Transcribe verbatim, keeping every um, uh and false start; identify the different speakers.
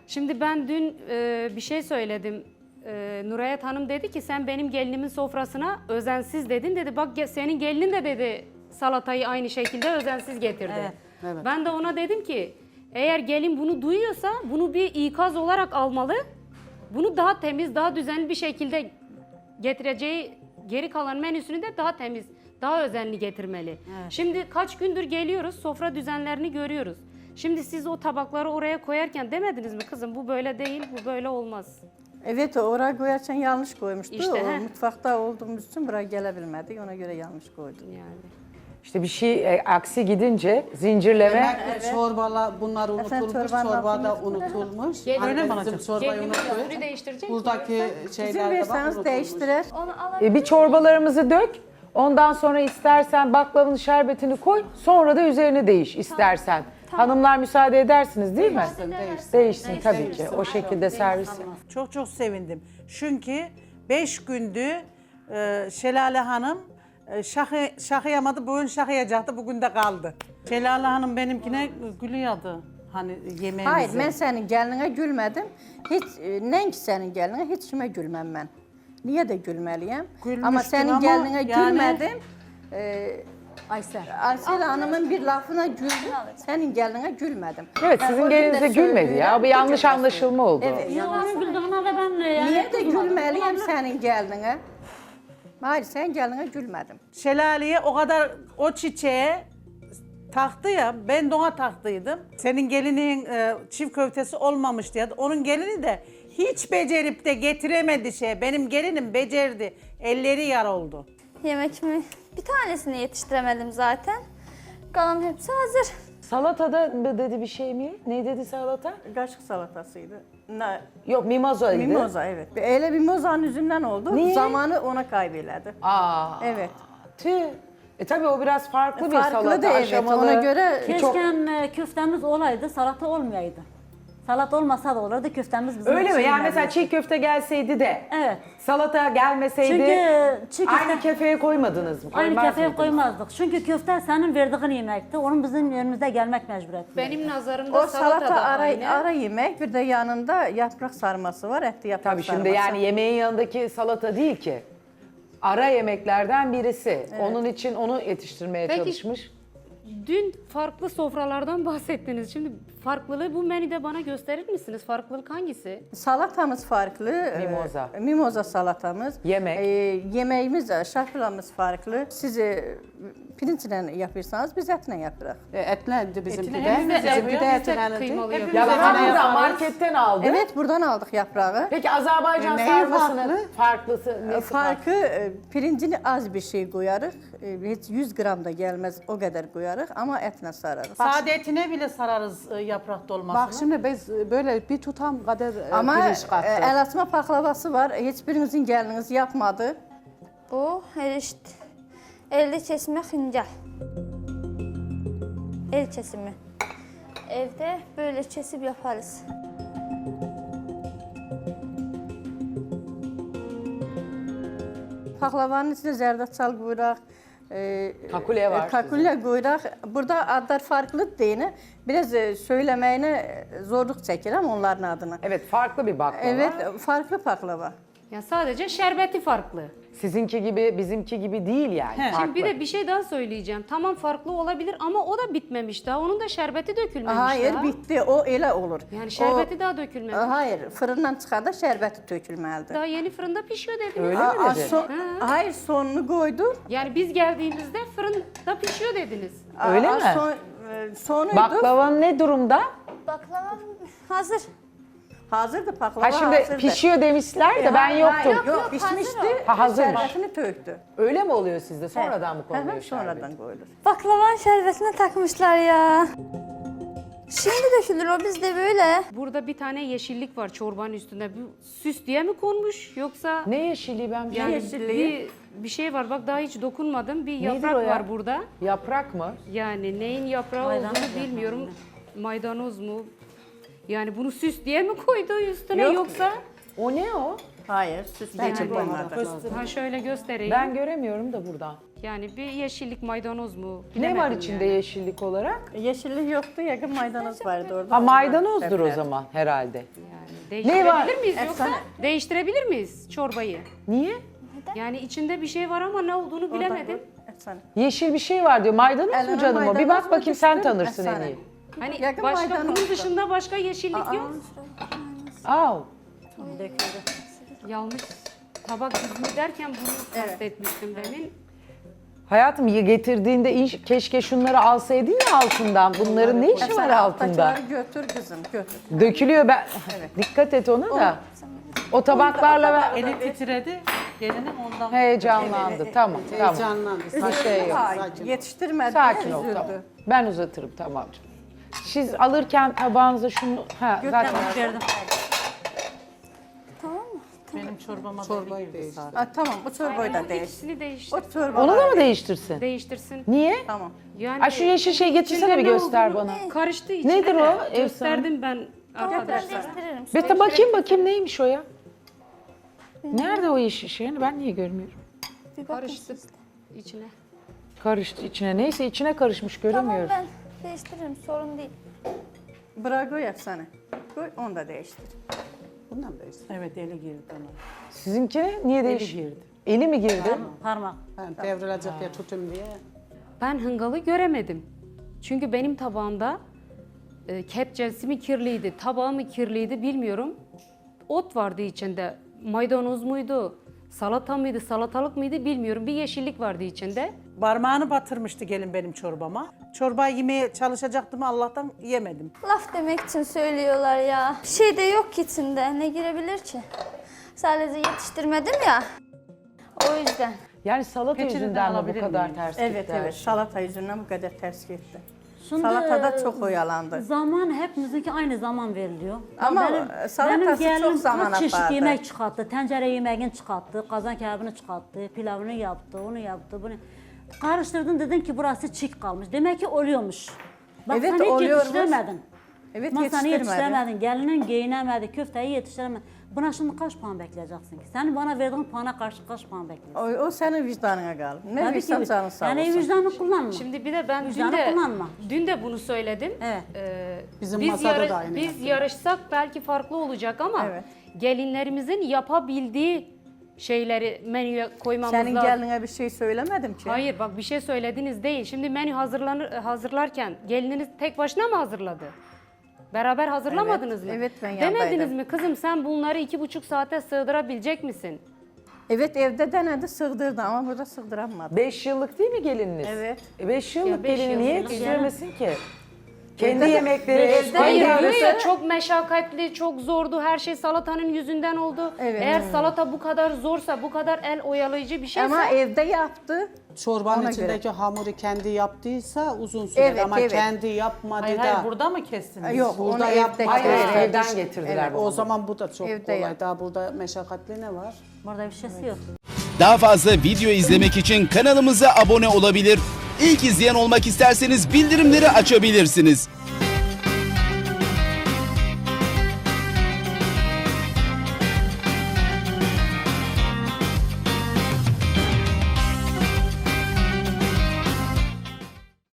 Speaker 1: Şimdi ben dün e, bir şey söyledim. E, Nurayet Hanım dedi ki sen benim gelinimin sofrasına özensiz dedin dedi. Bak ge- senin gelinin de dedi salatayı aynı şekilde özensiz getirdi.
Speaker 2: Evet,
Speaker 3: evet.
Speaker 1: Ben de ona dedim ki eğer gelin bunu duyuyorsa bunu bir ikaz olarak almalı. Bunu daha temiz, daha düzenli bir şekilde getireceği geri kalan menüsünü de daha temiz, daha özenli getirmeli.
Speaker 2: Evet.
Speaker 1: Şimdi kaç gündür geliyoruz, sofra düzenlerini görüyoruz. Şimdi siz o tabakları oraya koyarken demediniz mi kızım bu böyle değil, bu böyle olmaz.
Speaker 3: Evet, oraya koyarken yanlış koymuştu.
Speaker 1: İşte,
Speaker 3: o,
Speaker 1: he.
Speaker 3: mutfakta olduğumuz için buraya gelebilmedik. Ona göre yanlış koydum.
Speaker 1: Yani.
Speaker 4: İşte bir şey e, aksi gidince zincirleme.
Speaker 5: Demek ki çorbala bunlar unutulmuş,
Speaker 3: çorbanın
Speaker 5: çorbada
Speaker 3: altını
Speaker 5: unutulmuş.
Speaker 1: Gelin-
Speaker 5: Anne
Speaker 1: Öyle mi
Speaker 5: bizim çorbayı
Speaker 1: Gelinin
Speaker 5: unutmuş.
Speaker 1: üstünü değiştirecek
Speaker 5: Buradaki
Speaker 3: İzin
Speaker 5: şeyler de bak
Speaker 3: verirseniz
Speaker 5: unutulmuş.
Speaker 3: değiştirir.
Speaker 2: Onu alabilir
Speaker 4: E, bir çorbalarımızı dök. Ondan sonra istersen baklavanın şerbetini koy. Sonra da üzerine değiş istersen. Hanımlar müsaade edersiniz değil mi?
Speaker 5: Değişsin, değişsin.
Speaker 4: Değişsin tabii ki. O şekilde servis.
Speaker 6: Çok çok sevindim. Çünkü beş gündü e, Şelale Hanım e, şahı, şahıyamadı, bugün şahıyacaktı, bugün de kaldı. Şelale Hanım benimkine gülüyordu hani yemeğimize.
Speaker 3: Hayır, ben senin gelinine gülmedim. Hiç, e, nenki senin gelinine, hiç kime gülmem ben. Niye de gülmeliyim?
Speaker 6: Gülmüştün
Speaker 3: Ama senin
Speaker 6: ama
Speaker 3: gelinine
Speaker 6: yani-
Speaker 3: gülmedim. Ee,
Speaker 2: Aysel.
Speaker 3: Aysel Hanım'ın bir lafına güldüm, senin gelinine gülmedim.
Speaker 4: Evet
Speaker 3: Ben o
Speaker 4: sizin
Speaker 3: gün de
Speaker 4: gelinize gülmedi ya.
Speaker 3: söylüyorum,
Speaker 4: Bir yanlış
Speaker 3: bugün de
Speaker 4: anlaşılma oldu.
Speaker 3: Evet.
Speaker 2: Yalan güldüğüne de ben yani
Speaker 3: Niye de
Speaker 2: kızmadım.
Speaker 3: gülmeliyim senin gelinine? Hayır, sen gelinine gülmedim.
Speaker 6: Şelale'ye o kadar o çiçeğe taktı ya, ben de ona taktıydım. Senin gelinin e, çift köftesi olmamış diye. Onun gelini de hiç becerip de getiremedi şey. Benim gelinim becerdi. Elleri yar oldu.
Speaker 7: Yemek mi? Bir tanesini yetiştiremedim zaten. Kalan hepsi hazır.
Speaker 4: Salatada mı dedi bir şey mi? Ne dedi salata?
Speaker 3: Kaşık salatasıydı. Ne?
Speaker 4: Yok mimozaydı.
Speaker 3: Mimoza, evet. Öyle mimozanın yüzünden oldu.
Speaker 4: Niye?
Speaker 3: Zamanı ona kaybeledi.
Speaker 4: Aa.
Speaker 3: Evet.
Speaker 4: Tüh. E tabii o biraz farklı, bir
Speaker 3: Farklı
Speaker 4: salata
Speaker 3: da evet,
Speaker 4: aşamalı.
Speaker 3: ona göre
Speaker 4: Çok-
Speaker 2: Keşke e, köftemiz olaydı, salata olmayaydı. Salat olmasa da olurdu, köftemiz bizim
Speaker 4: Öyle mi?
Speaker 2: için
Speaker 4: Yani
Speaker 2: önemli.
Speaker 4: mesela çiğ köfte gelseydi de
Speaker 2: Evet.
Speaker 4: salata gelmeseydi
Speaker 2: Çünkü çiğ köfte...
Speaker 4: aynı kefeye koymadınız mı?
Speaker 2: Aynı
Speaker 4: Koymaz
Speaker 2: kefeye
Speaker 4: mıydınız?
Speaker 2: koymazdık. Çünkü köfte senin verdiğin yemekti. Onun bizim önümüzde gelmek mecburiyeti.
Speaker 1: Benim nazarımda
Speaker 3: o
Speaker 1: salata,
Speaker 3: salata
Speaker 1: da
Speaker 3: ara,
Speaker 1: aynı.
Speaker 3: ara yemek, bir de yanında yaprak sarması var, etli yaprak
Speaker 4: Tabii
Speaker 3: sarması.
Speaker 4: şimdi yani yemeğin yanındaki salata değil ki. Ara yemeklerden birisi. Onun için onu yetiştirmeye
Speaker 1: Peki-
Speaker 4: çalışmış.
Speaker 1: Dün farklı sofralardan bahsettiniz. Şimdi farklılığı bu menüde bana gösterir misiniz? Farklılık hangisi?
Speaker 3: Salatamız farklı.
Speaker 4: Mimoza.
Speaker 3: e, mimoza salatamız.
Speaker 4: Yemek.
Speaker 3: E, yemeğimiz, e, şarkılarımız farklı. Siz e, pirinçle yapırsanız biz etle yapırıq.
Speaker 5: E, etlendi bizimki
Speaker 6: Etini
Speaker 5: de.
Speaker 6: hepimiz
Speaker 5: Bizimki
Speaker 6: yapıyoruz,
Speaker 5: de
Speaker 6: biz de
Speaker 5: etlendi.
Speaker 6: kıymalı
Speaker 5: Hepimiz
Speaker 4: Ya
Speaker 6: yapıyoruz.
Speaker 4: ben
Speaker 5: etine
Speaker 4: buradan
Speaker 5: yaparız.
Speaker 4: marketten aldım.
Speaker 3: Evet, buradan aldık yaprağı.
Speaker 4: Peki Azerbaycan
Speaker 3: Neyi
Speaker 4: sarmasının
Speaker 3: farklı?
Speaker 4: farklısı nesi
Speaker 3: Farkı e, pirincini az bir şey koyarıq. E, Heç yüz gram da gelmez o kadar koyarıq ama etle sararıq.
Speaker 6: Sade etine bile sararız e, yaprak dolmasını.
Speaker 5: Bak şimdi biz böyle bir tutam kadar e,
Speaker 3: Ama
Speaker 5: pirinç
Speaker 3: e,
Speaker 5: kattık.
Speaker 3: el açma paklavası var. Hiçbirinizin geliniz yapmadı.
Speaker 7: Bu erişt. Elde kesme hıncal. El kesimi. Evde böyle kesip yaparız.
Speaker 3: Paklavanın içine zerdeçal koyuraq. E,
Speaker 4: Kakule var
Speaker 3: e, Kakule koyuraq. Burada adlar farklı değil. Biraz e, söylemeyine e, zorluk çəkirəm onların adını.
Speaker 4: Evet farklı bir baklava.
Speaker 3: Evet, farklı paklava.
Speaker 1: Ya sadece şerbeti farklı.
Speaker 4: Sizinki gibi bizimki gibi değil yani.
Speaker 6: He.
Speaker 4: Farklı.
Speaker 1: Şimdi bir de bir şey daha söyleyeceğim. Tamam farklı olabilir ama o da bitmemiş daha. Onun da şerbeti dökülmemiş
Speaker 3: Hayır,
Speaker 1: daha.
Speaker 3: bitti. O elə olur.
Speaker 1: Yani şerbeti
Speaker 3: O-
Speaker 1: daha dökülmemiş.
Speaker 3: Hayır, fırından çıxanda şərbəti tökülməlidir.
Speaker 1: Daha yeni fırında pişiyor dediniz.
Speaker 4: Öyle
Speaker 3: A-
Speaker 4: mi
Speaker 3: a-
Speaker 4: dedi?
Speaker 3: son- hayır, sonunu koydu.
Speaker 1: Yani biz geldiğimizde fırında pişiyor dediniz.
Speaker 4: Öyle
Speaker 3: A-
Speaker 4: mi?
Speaker 3: Son, e, sonuydu.
Speaker 4: Baklavan ne durumda?
Speaker 7: Baklava hazır.
Speaker 3: Hazırdı paklava,
Speaker 4: Ha şimdi
Speaker 3: hazırdı.
Speaker 4: pişiyor demişler de
Speaker 3: E,
Speaker 4: ben
Speaker 3: hayır,
Speaker 4: yoktum.
Speaker 3: Yok, yok, pişmişti.
Speaker 4: Ha, hazırmış.
Speaker 3: Şərbətini töktü.
Speaker 4: Öyle mi oluyor sizde? Sonradan mı
Speaker 3: Hı
Speaker 4: konuluyor
Speaker 3: hı,
Speaker 4: şerbet?
Speaker 3: sonradan koyulur.
Speaker 7: Baklavanın şerbetine takmışlar ya. Şimdi dökülür o bizde böyle.
Speaker 1: Burada bir tane yeşillik var çorbanın üstünde. Bu süs diye mi konmuş yoksa
Speaker 4: Ne yeşilliği ben bir
Speaker 1: yani
Speaker 3: yeşilliği?
Speaker 1: bir, bir şey var. Bak daha hiç dokunmadım. Bir
Speaker 4: Nedir
Speaker 1: yaprak
Speaker 4: o ya?
Speaker 1: var burada.
Speaker 4: Yaprak mı?
Speaker 1: Yani neyin yaprağı
Speaker 2: Maydanoz
Speaker 1: olduğunu
Speaker 2: yaprağı
Speaker 1: bilmiyorum. Maydanoz mu? Yani bunu süs diye mi koydu üstüne
Speaker 3: Yok.
Speaker 1: yoksa?
Speaker 4: O ne o?
Speaker 3: Hayır, süsleyici
Speaker 1: Yani-
Speaker 3: koymadı.
Speaker 1: Ha şöyle göstereyim.
Speaker 4: Ben göremiyorum da buradan.
Speaker 1: Yani bir yeşillik maydanoz mu?
Speaker 4: Ne
Speaker 1: Bilemedim
Speaker 4: var içinde
Speaker 1: yani.
Speaker 4: yeşillik olarak?
Speaker 3: Yeşillik yoktu, yakın maydanoz vardı orada.
Speaker 4: Ha maydanozdur o
Speaker 3: Evet.
Speaker 4: zaman herhalde.
Speaker 1: Yani
Speaker 4: Ne var?
Speaker 1: değiştirebilir miyiz yoksa?
Speaker 3: Efsane.
Speaker 1: Değiştirebilir miyiz çorbayı?
Speaker 4: Niye?
Speaker 1: Yani içinde bir şey var ama ne olduğunu bilemedim.
Speaker 3: Efsane.
Speaker 4: Yeşil bir şey var diyor. Maydanoz mu
Speaker 3: Elime
Speaker 4: canım o? Bir
Speaker 3: maydanoz
Speaker 4: bak
Speaker 3: mu
Speaker 4: bakayım sen
Speaker 3: düştü?
Speaker 4: tanırsın en
Speaker 3: Efsane.
Speaker 4: iyi.
Speaker 1: Hani
Speaker 3: Yakın
Speaker 1: başka bunun
Speaker 3: maydanozdu.
Speaker 1: dışında başka yeşillik yok.
Speaker 4: Aa,
Speaker 1: Yanlış tabak dizimi derken bunu kastetmiştim demin.
Speaker 4: hayatım ya getirdiğinde iş- keşke şunları alsaydın ya altından. Bunların ne işi var
Speaker 3: Efsane,
Speaker 4: altında?
Speaker 3: alttakileri götür kızım, götür.
Speaker 4: Dökülüyor ben. Dikkat et ona da. O tabaklarla ver.
Speaker 6: Eli titredi. Gelinim ondan.
Speaker 4: Heyecanlandı. Tamam, tamam.
Speaker 5: Heyecanlandı.
Speaker 4: Bir şey yok.
Speaker 3: Hayır, yetiştirmedi.
Speaker 4: Sakin ol
Speaker 3: üzüldü.
Speaker 4: tamam. Ben uzatırım tamam canım. Siz alırken tabağınıza şunu... Ha, zaten
Speaker 2: Verdim.
Speaker 6: Benim çorbama
Speaker 5: Çorbayı değiştir.
Speaker 3: Ha, tamam, bu çorbayı da
Speaker 1: Aynen,
Speaker 3: değiş.
Speaker 1: ikisini değiştir.
Speaker 3: O çorba
Speaker 4: onu da mı değiştirsin?
Speaker 1: Değiştirsin.
Speaker 4: Niye?
Speaker 3: Tamam.
Speaker 1: Yani
Speaker 4: Ay şu yeşil şey getirsene bir
Speaker 1: içinde ne
Speaker 4: göster
Speaker 1: olduğunu
Speaker 4: bana.
Speaker 1: Karıştı içine.
Speaker 4: Nedir
Speaker 1: de.
Speaker 4: o?
Speaker 1: Gösterdim ben
Speaker 7: Ben
Speaker 1: arkadaşlar.
Speaker 7: değiştiririm.
Speaker 4: Bir de bakayım bakayım neymiş o ya? Nerede o yeşil şey? Ben niye görmüyorum?
Speaker 7: Bir bakın
Speaker 1: Karıştı
Speaker 7: siz de.
Speaker 1: içine.
Speaker 4: Karıştı içine. Neyse içine karışmış
Speaker 7: Tamam
Speaker 4: göremiyorum.
Speaker 7: ben değiştiririm sorun değil.
Speaker 3: Bırak koy efsane. Koy, onu da değiştir.
Speaker 5: Bundan değiştir.
Speaker 6: Evet eli girdi ona.
Speaker 4: Sizinki niye değiş?
Speaker 6: girdi.
Speaker 4: Eli mi girdi?
Speaker 2: Parmak.
Speaker 5: Yani devrilecek diye tutayım diye.
Speaker 1: Ben hıngalı göremedim. Çünkü benim tabağımda e, kepçesi mi kirliydi, tabağı mı kirliydi bilmiyorum. Ot vardı içinde. Maydanoz muydu, salata mıydı, salatalık mıydı bilmiyorum. Bir yeşillik vardı içinde.
Speaker 6: Parmağını batırmıştı gelin benim çorbama. Çorbayı yemeye çalışacaktım Allah'tan yemedim.
Speaker 7: Laf demek için söylüyorlar ya. Bir şey de yok ki içinde. Ne girebilir ki? Sadece yetiştirmedim ya. O yüzden.
Speaker 4: Yani salata
Speaker 6: Peçeteden
Speaker 4: yüzünden mi bu
Speaker 6: alabilir
Speaker 4: kadar
Speaker 6: miyim?
Speaker 4: ters
Speaker 3: Evet
Speaker 4: gitti her
Speaker 3: evet,
Speaker 4: şey?
Speaker 3: salata yüzünden bu kadar ters gitti.
Speaker 2: Şimdi,
Speaker 3: Salatada çok oyalandı.
Speaker 2: Zaman hepimizinki aynı zaman veriliyor.
Speaker 3: Ama salatası çok zaman
Speaker 2: kaç çeşit
Speaker 3: apardı.
Speaker 2: yemek çıkarttı. Tencere yemeğini çıkarttı, kazan kebabını çıkarttı, pilavını yaptı, onu yaptı, bunu. Karıştırdın dedin ki burası çiğ kalmış. Demek ki oluyormuş. Bak
Speaker 3: Evet,
Speaker 2: sen hiç
Speaker 3: oluyormuş.
Speaker 2: yetiştiremedin.
Speaker 3: Evet,
Speaker 2: Masanı
Speaker 3: yetiştirmedi.
Speaker 2: yetiştiremedin, gelinin giyinemedi, köfteyi yetiştiremedin. Buna şimdi kaç puan bekleyeceksin ki? Senin bana verdiğin puana karşı kaç puan bekliyorsun?
Speaker 3: O, o senin vicdanına kalır. Ne
Speaker 2: Tabii
Speaker 3: vicdan
Speaker 2: ki.
Speaker 3: canın sağ
Speaker 2: Yani
Speaker 3: olsun.
Speaker 2: vicdanı kullanma.
Speaker 1: Şimdi bir de ben dün
Speaker 2: Vicdanı
Speaker 1: de,
Speaker 2: kullanma.
Speaker 1: dün de bunu söyledim.
Speaker 2: Evet.
Speaker 1: Ee,
Speaker 5: Bizim
Speaker 1: biz
Speaker 5: masada da aynı
Speaker 1: biz
Speaker 5: yaptı.
Speaker 1: yarışsak belki farklı olacak ama
Speaker 3: Evet.
Speaker 1: gelinlerimizin yapabildiği şeyleri menüye koymamız
Speaker 3: Senin
Speaker 1: lazım.
Speaker 3: geline bir şey söylemedim ki.
Speaker 1: Hayır bak bir şey söylediniz değil. Şimdi menü hazırlanır hazırlarken gelininiz tek başına mı hazırladı? Beraber hazırlamadınız
Speaker 3: Evet,
Speaker 1: mı?
Speaker 3: evet, ben
Speaker 1: Demediniz
Speaker 3: yandaydım.
Speaker 1: mi kızım sen bunları iki buçuk saate sığdırabilecek misin?
Speaker 3: Evet, evde denedi, sığdırdı ama burada sığdıramadı.
Speaker 4: Beş yıllık değil mi gelininiz?
Speaker 3: Evet.
Speaker 4: E beş yıllık
Speaker 1: Ya beş
Speaker 4: gelini niye
Speaker 1: yıllık
Speaker 4: yetiştiremesin ki? Kendi
Speaker 3: de-
Speaker 4: yemekleri,
Speaker 3: evde
Speaker 4: kendi
Speaker 1: Hayır
Speaker 3: yarısı-
Speaker 1: diyor
Speaker 4: arası-
Speaker 1: ya çok meşakkatli, çok zordu. Her şey salatanın yüzünden oldu.
Speaker 3: Evet.
Speaker 1: Eğer salata bu kadar zorsa, bu kadar el oyalayıcı bir şeyse
Speaker 3: Ama evde yaptı.
Speaker 5: Çorbanın
Speaker 3: Ona
Speaker 5: içindeki
Speaker 3: göre.
Speaker 5: hamuru kendi yaptıysa uzun sürer
Speaker 3: Evet,
Speaker 5: ama
Speaker 3: evet.
Speaker 5: kendi yapmadı
Speaker 6: Hayır
Speaker 5: da.
Speaker 6: hayır burada mı kestiniz?
Speaker 3: Yok,
Speaker 5: Burada
Speaker 3: onu evde
Speaker 5: yapmadı.
Speaker 4: Hayır, hayır,
Speaker 3: yaptı.
Speaker 4: evden getirdiler
Speaker 5: Evet,
Speaker 4: bunu.
Speaker 5: o zaman bu da çok
Speaker 3: Evde
Speaker 5: kolay.
Speaker 3: yap.
Speaker 5: Daha burada meşakkatli ne var?
Speaker 2: Burada bir şeysi yok.
Speaker 8: Daha fazla video izlemek için kanalımıza abone olabilir. İlk izleyen olmak isterseniz bildirimleri açabilirsiniz.